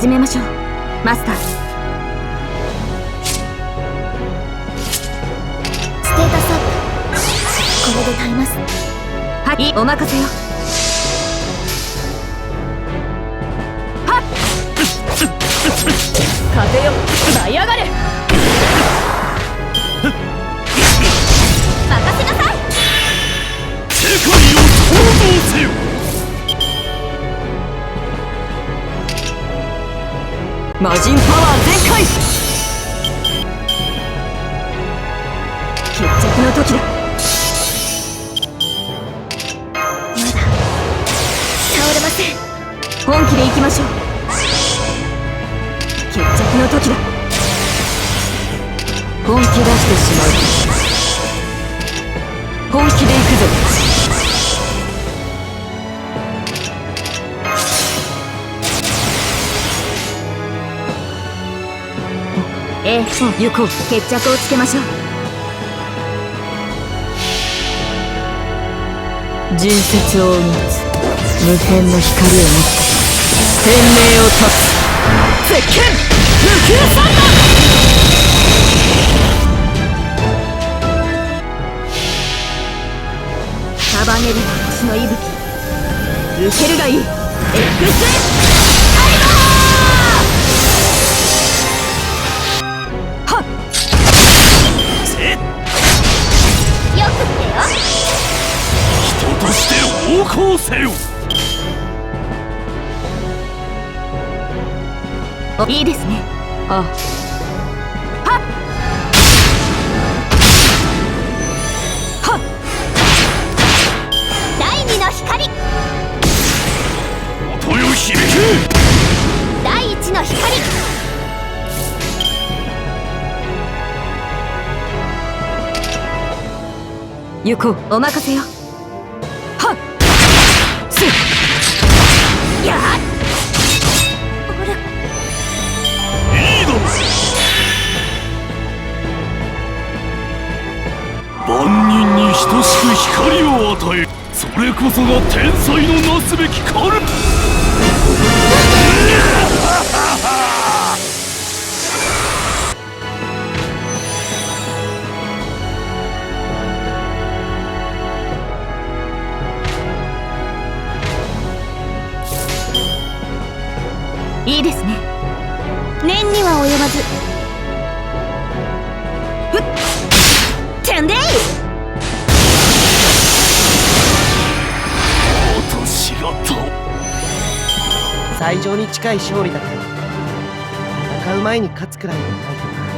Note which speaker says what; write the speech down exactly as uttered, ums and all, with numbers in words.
Speaker 1: 始めましょうマスター。ステータスアップ、これで耐えます。はい、お任せよ。はっ風よ舞い上がれ。任せなさい。
Speaker 2: 世界を創造せよ。
Speaker 1: 魔人パワー全開。決着の時だ。まだ倒れません。本気で行きましょう。決着の時だ。本気出してしまう。本気で行くぞ。ええ、行こう。決着をつけましょう。純節を生みつ無辺の光を持って天命を断つ鉄拳無給サンダー。束ねる星の息吹、受けるがいい。エクスカリバー。よくってよ。
Speaker 2: 人として横行せよ。
Speaker 1: いいですね。ああ。はっはっ。第二の光。
Speaker 2: 音よ響け。
Speaker 1: 第一の光。行こう。お任せよ。はっすっやっ。俺
Speaker 2: いいだろ。万人に等しく光を与え、それこそが天才のなすべき狩る。
Speaker 1: いいですね。念には及ばず。ふってんでい。
Speaker 2: 私がと
Speaker 3: 最上に近い勝利だけど戦う前に勝つくらいのないかな。